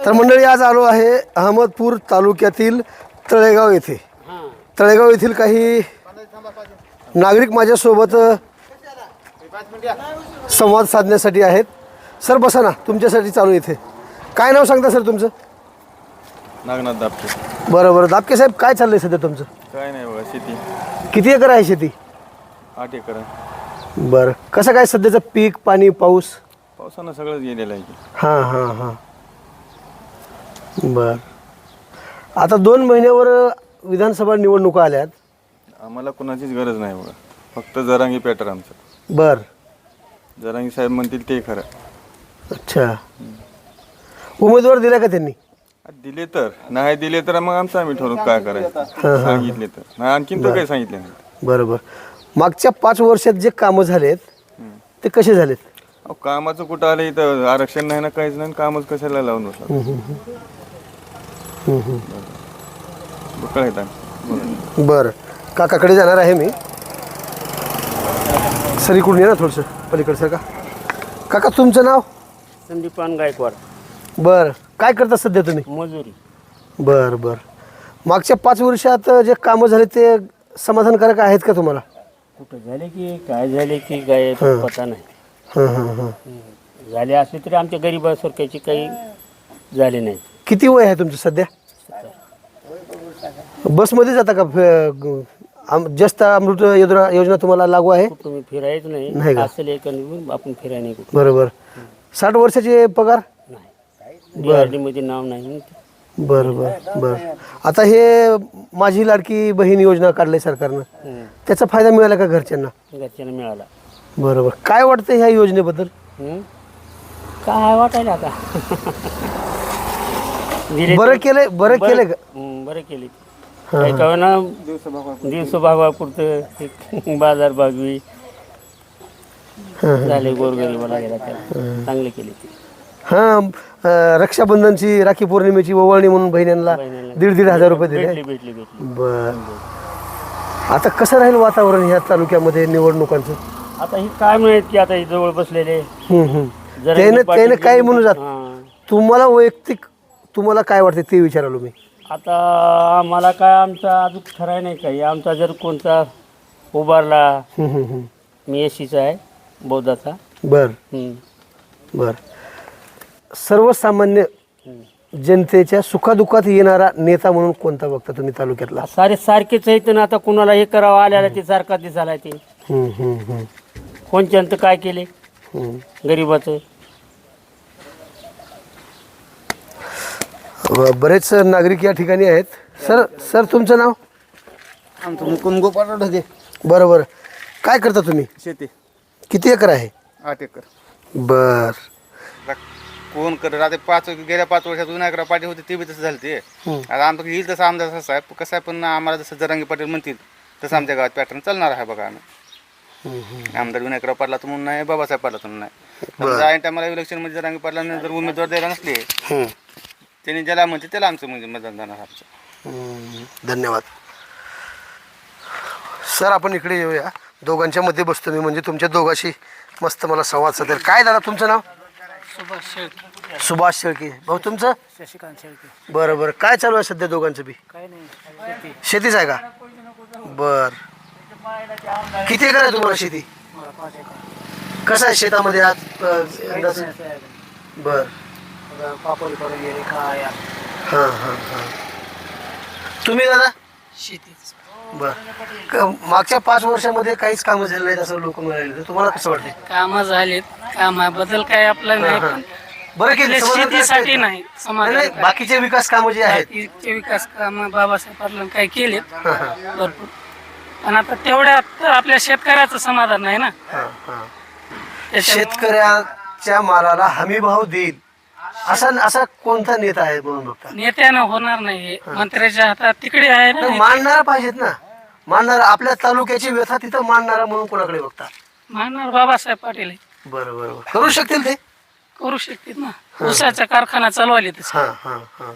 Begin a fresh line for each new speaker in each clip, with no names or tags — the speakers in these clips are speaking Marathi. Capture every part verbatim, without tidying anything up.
तर मंडळी आज आलो आहे अहमदपूर तालुक्यातील तळेगाव येथे. तळेगाव येथील काही नागरिक माझ्यासोबत संवाद साधण्यासाठी आहेत. सर बसा ना, तुमच्यासाठी चालू इथे. काय नाव सांगता सर तुमचं?
नागनाथ दापके.
बरं बरं दापके साहेब, काय चाललंय सध्या तुमचं?
काय नाही बघा, शेती
किती एकर आहे शेती?
आठ एकर आहे.
बरं, कसं काय सध्याचं पीक पाणी पाऊस?
पावसानं सगळंच गेलेलं आहे की.
हां हां हां बरं. आता दोन महिन्यावर विधानसभा निवडणुका आल्यात.
आम्हाला कुणाचीच गरज नाही बघा, फक्त जरांगी पॅटर आमचं.
बरं,
जरांगी साहेब म्हणतील ते खरं.
अच्छा. उमेदवार दिला का त्यांनी?
दिले तर, नाही दिले तर मग आमचं आम्ही ठरवू काय करायचं. सांगितले तर नाही, आणखीन तर काही सांगितले नाही.
बरोबर. मागच्या पाच वर्षात जे कामं झालेत ते कसे झालेत?
अहो कामाचं कुठं आलं इथं, आरक्षण नाही ना काहीच नाही, कामच कशाला लावून बसला. कळायचं.
बरं, काकाकडे जाणार आहे मी. सर इकडून ये ना थोडंसं पलीकडे सर. का काका तुमचं नाव?
संदीपान गायकवाड.
बरं, काय करता सध्या तुम्ही?
मजुरी.
बरं बरं. मागच्या पाच वर्षात जे कामं झाले ते समाधानकारक आहेत का तुम्हाला?
कुठं झाले की काय झाले की काय पता नाही.
हां हां हां.
झाले असले तरी आमच्या गरिबासारख्याची काही झाले नाहीत.
किती वय आहे तुमचं सध्या? बसमध्ये जाता का? फ- आम- जास्त अमृत योजना योजना तुम्हाला लागू आहे?
कुठं मी फिरायचं
नाही
नाही
का?
असेल एक आपण फिरायला नाही कुठं.
बरोबर. साठ वर्षाचे पगार?
नाही बिहारमध्ये नाव नाही.
बरं बरं बरं. आता हे माझी लाडकी बहीण योजना काढली सरकारनं,
हं.
त्याचा फायदा मिळाला का घरच्यांना?
घरच्यांना मिळाला.
बरोबर. काय वाटतं ह्या योजनेबद्दल?
हं? काय वाटायला आता दिले
बरं
तर-
केलंय बरं केलंय का?
हं, बरं केले. काही काय ना दिवस भागवापुरतं बाजार भागवी झाले गोरगरीबाला गेला त्याला चांगले केले ते.
हां, अं, रक्षाबंधनची राखी पौर्णिमेची ओवाळणी म्हणून बहिणींना
बहिणीला
दीड दीड हजार रुपये दिले.
भेटली भेटली भेटली.
बर. आता कसं राहील वातावरण ह्या तालुक्यामध्ये निवडणुकांचं?
आता ही काय मिळत की आता ही जवळ बसलेले
हम्म, हम्म.
जरा
त्याने
पाटील
त्याने काय म्हणून जात?
हां.
तुम्हाला वैयक्तिक तुम्हाला काय वाटतं ते विचारालो मी.
आता आम्हाला काय आमचा अजून ठराय नाही काही. आमचा जर कोणता उभारला,
हम्म, हम्म, हम्म.
मी एसीचा आहे बौद्धाचा.
बर
हं.
बर. सर्वसामान्य जनतेच्या सुखादुखात येणारा नेता म्हणून कोणता बघता तुम्ही तालुक्यातला?
सारे सारखेच आहेत ना. आता कुणाला हे करावं आल्याला ते सारखा दिसायला ते
हम्म, हम्म, हम्म.
कोणच्यानं काय केले
हम्म.
गरीबाचं.
ब- बरेच नागरिक या ठिकाणी आहेत. सर सर तुमचं नाव?
आमचं मुकुंद गोपाळ ढगे.
बरं बरं. काय करता तुम्ही?
शेती
किती एकर आहे?
आठ एकर.
बर.
कोण करत आता पाच गेल्या पाच वर्षात विनायकरा पाटील होते ते बी तसं झालं ते. आता आमचं येईल तसं आमदार तसं आहे कसं आहे, पण आम्हाला जसं जरांगी पाटील म्हणतील तसं आमच्या गावात पॅटर्न चालणार आहे बघा. आम्ही आमदार विनायकराव पाटला तर म्हणून नाही, बाबासाहेब पाटला तर नाही. समजा ऐन टायमाला इलेक्शनमध्ये जरांगी पाटलांना जर उमेदवार द्यायला नसले त्यांनी ज्याला म्हणते त्याला आमचं म्हणजे मतदान जाणार आमचं.
हम्म, धन्यवाद. सर आपण इकडे येऊया. दोघांच्या मध्ये बसतो मी, म्हणजे तुमच्या दोघांशी मस्त मला संवाद साधेल. काय दादा तुमचं नाव?
सुभाष शेळके.
सुभाष शेळके. भाऊ तुमचं?
शशिकांत शेळके.
बरं बरं. काय चालू आहे सध्या दोघांचं बी?
काय नाही
शेतीच आहे का? बर. किती एकर आहे तुम्हाला शेती? कसं आहे शेतामध्ये आज अ, अंदाजे? बर.
पापड करून गेले काय
हां हां हां. तुम्ही दादा?
शेतीच.
बर. क- मागच्या पाच वर्षामध्ये काहीच कामं झाले नाहीत असं लोक म्हणाले, तुम्हाला कसं वाटतंय?
कामं झालेत. कामाबद्दल काय आपलं नाही, पण
बरं केलं.
आपल्या शेतीसाठी नाही, समाजाला
नाही, बाकीचे विकास कामं जे आहेत
बाकीचे विकास काम बाबासाहेब पाटलांनी काय केलेत
हां हां
भरपूर. पण आता तेवढ्यात आपल्या शेतकऱ्याचं समाधान नाही ना.
हां हां.
त्याच्यामुळं
शेतकऱ्याच्या मालाला हमी भाव देईल असा असा कोणता नेता आहे म्हणून बघता?
नेत्यानं होणार नाही. मंत्र्याच्या हातात तिकडे आहे ना.
नाही, मांडणारा पाहिजेत ना. मांडणारा आपल्या तालुक्याची व्यथा तिथं मांडणारा म्हणून कोणाकडे बघता?
मानणार बाबासाहेब पाटील आहे.
बरं बरं बरं. करू शकतील ते?
करू शकतील ना. ऊसाचा कारखाना चालवायला तसं.
हां हां हां.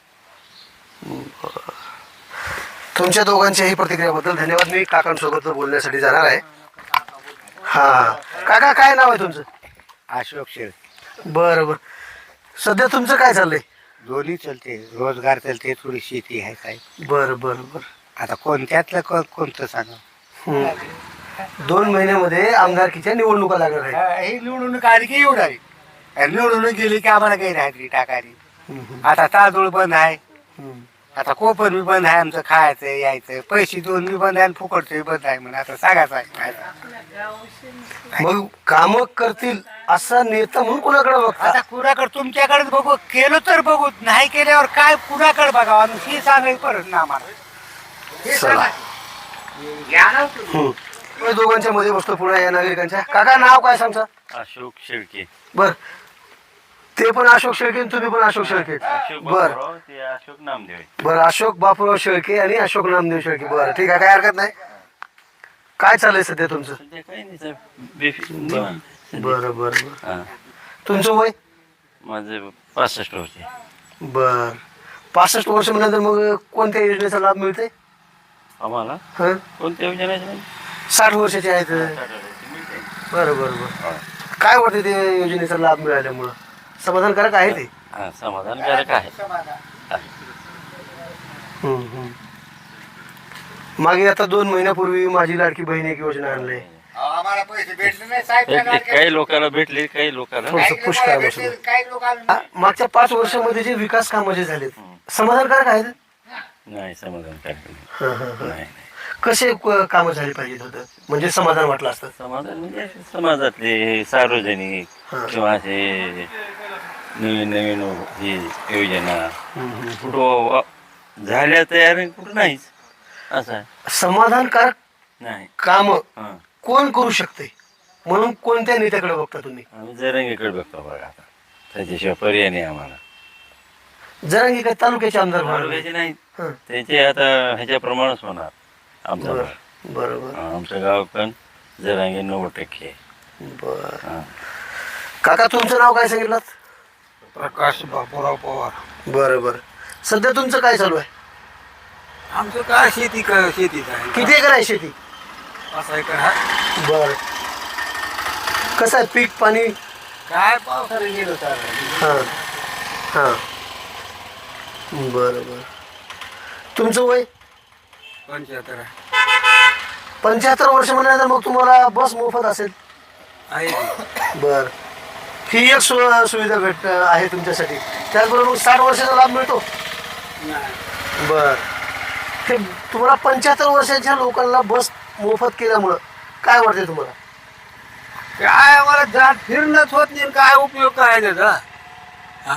बरं. तुमच्या दोघांच्याही प्रतिक्रियाबद्दल धन्यवाद. मी काकांसोबत बोलण्यासाठी जाणार आहे. हां काका काय नाव आहे तुमचं?
अशोक शेळ.
बरं बरं. सध्या तुमचं काय चाललंय?
दोन्ही चलते, रोजगार चलते, थोडी शेती आहे काय.
बर बर बर
आता कोणत्यातलं को- कोणतं सांगा.
हम्म. दोन महिन्यामध्ये आमदारकीच्या निवडणुका लागणार आहेत.
हा, हे निवडून आली की येऊन आली आणि निवडून गेली की आम्हाला काही नाही टाकायची.
हम्म,
आता तांदूळ बंद आहे,
हम्म.
आता कोपण बी बंद आहे, आमचं खायचं यायचं, पैसे दोन बी बंद आहे आणि फुकटचं बंद आहे म्हणून आता सांगायचं आहे.
मग काम करतील असा नेता म्हणून कोणाकडे बघता?
आता कुणाकडे तुमच्याकडे बघू, केलं तर बघू, नाही केल्यावर काय कुणाकडे बघावं आणि हे सांगायचं परत ना आम्हाला. हे सांगा. या ना तुम्ही.
हम्म. मी दोघांच्या मध्ये बसतो पुन्हा या नागरिकांच्या. काका नाव काय सांगता?
अशोक शेळके.
बर ते पण अशोक शेळके आणि तुम्ही पण अशोक शेळके. बर
ते अशोक नामदेव.
बर अशोक बापूराव शेळके आणि अशोक नामदेव शेळके. बरं ठीक आहे, काय हरकत नाही. काय चाललंय सध्या तुमचं?
काही नाही.
बरं बरं बरं. तुमचं वय?
माझे पासष्ट होते.
बर पासष्ट वर्ष म्हणल्यानंतर मग कोणत्या योजनेचा लाभ मिळते
आम्हाला
हं?
कोणत्या योजना?
साठ वर्षाचे आहेत. बरं बरं बरं. काय वाटते ते योजनेचा लाभ मिळाल्यामुळं समाधानकारक आहे ते?
हा, समाधानकारक आहे.
हम्म, हम्म. मागे आता दोन महिन्यापूर्वी माझी लाडकी बहीण एक योजना आणली.
आम्हाला पैसे भेटले नाही साहेब.
भेटले, काही लोकांना भेटले, काही लोकांना
थोडंसं पुश करा बसून.
काही लोकांना
आ, मागच्या पाच वर्षामध्ये जे विकास कामं जे झालेत समाधानकारक आहेत?
नाही समाधानकारक नाही.
हं, हं, हं.
नाही.
कसे क- कामं झाली पाहिजेत होतं म्हणजे समाधान वाटलं असतं?
समाधान म्हणजे समाजातले सार्वजनिक
हा.
किंवा असे नवीन नवीन ही योजना
हम्म, हम्म.
कुठं वा- झाल्या तयार आणि कुठं नाहीच असं आहे.
समाधानकारक
नाही.
काम
हां,
कोण करू शकते म्हणून कोणत्या नेत्याकडे बघता तुम्ही?
आम्ही जरंगीकडे बघतो बघा आता. त्याच्याशिवाय पर्याय नाही आम्हाला.
जरांगी काय तालुक्याचे आमदार व्हावे?
तालुक्याचे नाही,
हं.
त्याचे आता ह्याच्याप्रमाणेच होणार आमचं
बर
गाव.
बरोबर
हां, आमचं गाव पण जरांगी नव्वद टक्के आहे.
बर.
हां.
काका तुमचं नाव काय सांगितलं?
प्रकाश बापूराव पवार.
बरं बरं. सध्या तुमचं काय चालू आहे?
आमचं काय शेती क- शेतीच आहे.
किती एकर आहे शेती?
असं एकर आहे.
बर कसं आहे पीक पाणी?
काय पावसाने गेलो तर
हां हां बरं बरं. तुमचं वय?
पंच्याहत्तर आहे.
पंच्याहत्तर वर्ष म्हणल्यानंतर मग तुम्हाला बस मोफत असेल?
आहे की.
बर ही एक सु सुविधा भेट आहे तुमच्यासाठी. त्याचबरोबर मग साठ वर्षाचा लाभ मिळतो?
नाही.
बर हे तुम्हाला पंच्याहत्तर वर्षाच्या लोकांना बस मोफत केल्यामुळं काय वाटते तुम्हाला?
काय आम्हाला जात फिरणंच होत नाही, काय उपयोग काय त्याचा. हा?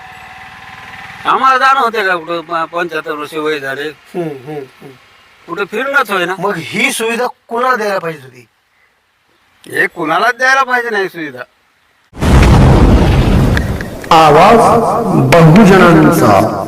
आम्हाला जाणं होते का कुठं प- पंच्याहत्तर वर्ष वय झाले,
हम्म, हम्म, हम्म.
कुठं फिरणंच होय ना.
मग ही सुविधा कुणाला द्यायला पाहिजे होती?
हे कुणालाच द्यायला पाहिजे नाही सुविधा.
आवाज बहुजनांचा